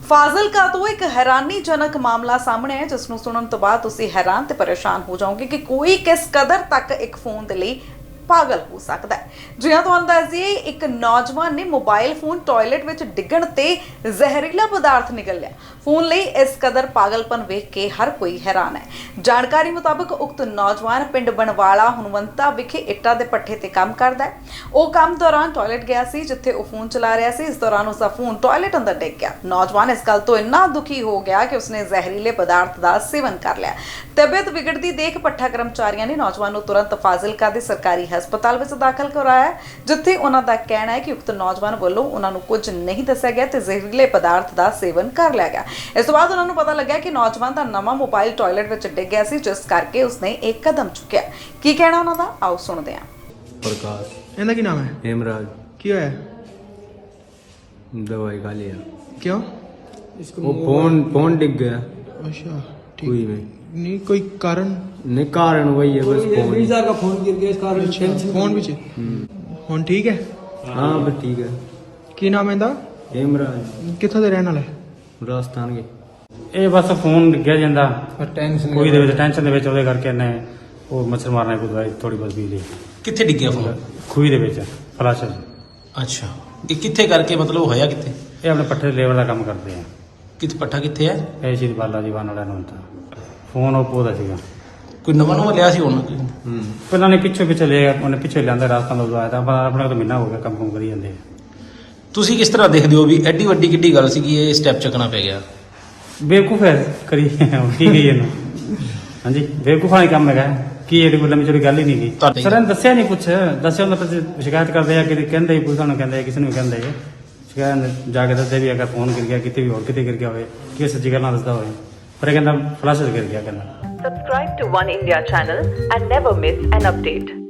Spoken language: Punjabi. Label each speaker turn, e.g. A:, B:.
A: ਫਾਜ਼ਿਲਕਾ ਤੋਂ ਇੱਕ ਹੈਰਾਨੀਜਨਕ ਮਾਮਲਾ ਸਾਹਮਣੇ ਹੈ ਜਿਸ ਨੂੰ ਸੁਣਨ ਤੋਂ ਬਾਅਦ ਤੁਸੀਂ ਹੈਰਾਨ ਤੇ ਪਰੇਸ਼ਾਨ ਹੋ ਜਾਓਗੇ ਕਿ ਕੋਈ ਕਿਸ ਕਦਰ ਤੱਕ ਇੱਕ ਫੋਨ ਦੇ ਲਈ ਪਾਗਲ ਹੋ ਸਕਦਾ ਹੈ। ਜੀ ਹਾਂ, ਤੁਹਾਨੂੰ ਦੱਸ ਦਈਏ ਇੱਕ ਨੌਜਵਾਨ ਨੇ ਮੋਬਾਈਲ ਫੋਨ ਟਾਇਲਟ ਵਿੱਚ ਡਿੱਗਣ ਤੇ ਜ਼ਹਿਰੀਲਾ ਪਦਾਰਥ ਨਿਕਲ ਲਿਆ। ਫੋਨ ਲਈ ਇਸ ਕਦਰ ਪਾਗਲਪਨ ਵੇਖ ਕੇ ਹਰ ਕੋਈ ਹੈਰਾਨ ਹੈ। ਜਾਣਕਾਰੀ ਮੁਤਾਬਕ ਉਕਤ ਨੌਜਵਾਨ ਪਿੰਡ ਬਣਵਾਲਾ ਹਨੂੰਵੰਤਾ ਵਿਖੇ ਇੱਟਾਂ ਦੇ ਪੱਠੇ ਤੇ ਕੰਮ ਕਰਦਾ ਹੈ। ਉਹ ਕੰਮ ਦੌਰਾਨ ਟਾਇਲਟ ਗਿਆ ਸੀ ਜਿੱਥੇ ਉਹ ਫੋਨ ਚਲਾ ਰਿਹਾ ਸੀ। ਇਸ ਦੌਰਾਨ ਉਸਦਾ ਫੋਨ ਟਾਇਲਟ ਅੰਦਰ ਡਿੱਗ ਗਿਆ। ਨੌਜਵਾਨ ਇਸ ਗੱਲ ਤੋਂ ਇੰਨਾ ਦੁਖੀ ਹੋ ਗਿਆ ਕਿ ਉਸਨੇ ਜ਼ਹਿਰੀਲੇ ਪਦਾਰਥ ਦਾ ਸੇਵਨ ਕਰ ਲਿਆ। ਤਬੀਅਤ ਵਿਗੜਦੀ ਦੇਖ ਪੱਠਾ ਕਰਮਚਾਰੀਆਂ ਨੇ ਨੌਜਵਾਨ ਨੂੰ ਤੁਰੰਤ ਫਾਜ਼ਿਲਕਾ ਦੇ ਸਰਕਾਰੀ ਹਸਪਤਾਲ ਵਿੱਚ ਦਾਖਲ ਕਰਵਾਇਆ, ਜਿੱਥੇ ਉਹਨਾਂ ਦਾ ਕਹਿਣਾ ਹੈ ਕਿ ਉਕਤ ਨੌਜਵਾਨ ਵੱਲੋਂ ਉਹਨਾਂ ਨੂੰ ਕੁਝ ਨਹੀਂ ਦੱਸਿਆ ਗਿਆ ਤੇ ਜ਼ਹਿਰੀਲੇ ਪਦਾਰਥ ਦਾ ਸੇਵਨ ਕਰ ਲਿਆ ਗਿਆ। ਇਸ ਤੋਂ ਬਾਅਦ ਉਹਨਾਂ ਨੂੰ ਪਤਾ ਲੱਗਿਆ ਕਿ ਨੌਜਵਾਨ ਦਾ ਨਵਾਂ ਮੋਬਾਈਲ ਟਾਇਲਟ ਵਿੱਚ ਡਿੱਗ ਗਿਆ ਸੀ, ਜਿਸ ਕਰਕੇ ਉਸਨੇ ਇੱਕ ਕਦਮ ਚੁੱਕਿਆ। ਕੀ ਕਹਿਣਾ ਉਹਨਾਂ ਦਾ, ਆਓ ਸੁਣਦੇ ਹਾਂ।
B: ਪ੍ਰਕਾਸ਼। ਇਹਦਾ ਕੀ ਨਾਮ ਹੈ?
C: हेमराज।
B: ਕੀ ਹੋਇਆ?
C: दवाई खा लिया।
B: ਕਿਉਂ?
C: वो फोन डिग गया
B: ਅੱਛਾ,
C: कुई
B: ठीक।
C: में।
B: नहीं कोई कारण?
C: नहीं कारण वही है बस फोन।
D: का फोन गिर गया इस कारण टेंशन
B: फोन ਵਿੱਚ ਹੁਣ ਠੀਕ ਹੈ?
C: हाँ बस ठीक है।
B: ਕੀ ਨਾਮ ਹੈ ਇਹਦਾ?
C: हेमराज
B: ਕਿੱਥੋਂ ਦੇ ਰਹਿਣ ਵਾਲਾ ਹੈ?
C: राजस्थान के।
E: ਇਹ ਬਸ ਫੋਨ ਡਿੱਗਿਆ ਜਾਂਦਾ
D: ਟੈਨਸ਼ਨ
E: ਕੋਈ ਦੇ ਵਿੱਚ ਟੈਨਸ਼ਨ ਦੇ ਵਿੱਚ ਉਹਦੇ ਕਰਕੇ ਇਹਨੇ ਉਹ ਮੱਛਰ ਮਾਰਨਾ ਕੋਈ ਦਵਾਈ ਥੋੜੀ ਬਹੁਤ ਪੀ ਲਈ
D: ਕਿੱਥੇ ਡਿੱਗਿਆ ਫੋਨ?
E: ਖੂਹੀ ਦੇ ਵਿੱਚ ਫਲਸ਼।
D: ਅੱਛਾ, ਇਹ ਕਿੱਥੇ ਕਰਕੇ ਮਤਲਬ ਹੋਇਆ ਕਿੱਥੇ?
E: ਇਹ ਆਪਣੇ ਪੱਠੇ ਲੇਬਰ ਦਾ ਕੰਮ ਕਰਦੇ ਆ।
D: ਕਿੱਥੇ ਪੱਠਾ ਕਿੱਥੇ ਹੈ?
E: ਇਹ ਸ਼੍ਰੀ ਬਾਲਾ ਜੀ ਵਾਨ ਵਾਲਿਆਂ ਨੂੰ ਤਾਂ ਫੋਨ ਉਹ ਦਾ ਸੀਗਾ।
D: ਕੋਈ ਨਵਾਂ ਲਿਆ ਸੀ ਹੁਣ?
E: ਪਹਿਲਾਂ ਨੇ ਪਿੱਛੇ ਲਿਆ, ਉਹਨੇ ਪਿੱਛੇ ਲਿਆਂਦਾ ਰਾਸਤਾ ਤੋਂ ਆਇਆ ਤਾਂ ਆਪਣੇ ਕੋਲ ਤਾਂ ਮਹੀਨਾ ਹੋ ਗਿਆ ਕੰਮ ਕਰੀ ਜਾਂਦੇ ਆ।
D: ਤੁਸੀਂ ਕਿਸ ਤਰ੍ਹਾਂ ਦੇਖਦੇ ਹੋ ਵੀ ਐਡੀ ਵੱਡੀ ਕਿੱਡੀ ਗੱਲ ਸੀਗੀ ਇਹ ਸਟੈਪ ਚੱਕਣਾ ਪੈ ਗਿਆ?
E: ਬੇਵਕੂਫ ਹੈ ਕਰੀ ਕੀ ਗਈ ਇਹਨੂੰ। ਹਾਂਜੀ, ਬੇਵਕੂਫਾਂ ਦਾ ਕੰਮ ਹੈਗਾ। ਕੀ ਇਹਦੀ ਕੋਈ ਲੰਮੀ ਚੌੜੀ ਗੱਲ ਹੀ ਨਹੀਂ ਗਈ।
D: ਤੁਹਾਡੇ-
E: ਸਰ ਇਹਨੇ ਦੱਸਿਆ ਨਹੀਂ ਕੁਛ। ਦੱਸਿਆ ਉਹਨਾਂ ਪਰ ਸ਼ਿਕਾਇਤ ਕਰਦੇ ਆ ਕਿ ਕਹਿੰਦੇ ਪੁਲਿਸ ਨੂੰ ਕਹਿੰਦੇ ਕਿਸੇ ਨੂੰ ਕਹਿੰਦੇ ਸ਼ਿਕਾਇਤ ਜਾ ਕੇ ਦੱਸਦੇ ਵੀ ਅਗਰ ਫੋਨ ਗਿਰ ਗਿਆ ਕਿਤੇ ਵੀ ਹੋਰ ਕਿਤੇ ਗਿਰ ਗਿਆ ਹੋਵੇ ਕਿ ਸੱਚੀ ਗੱਲ ਨਾ ਦੱਸਦਾ ਹੋਵੇ, ਪਰ ਇਹ ਕਹਿੰਦਾ ਫਲਸ਼ ਗਿਰ ਗਿਆ ਕਹਿੰਦਾ।
F: Subscribe to One India channel and never miss an update.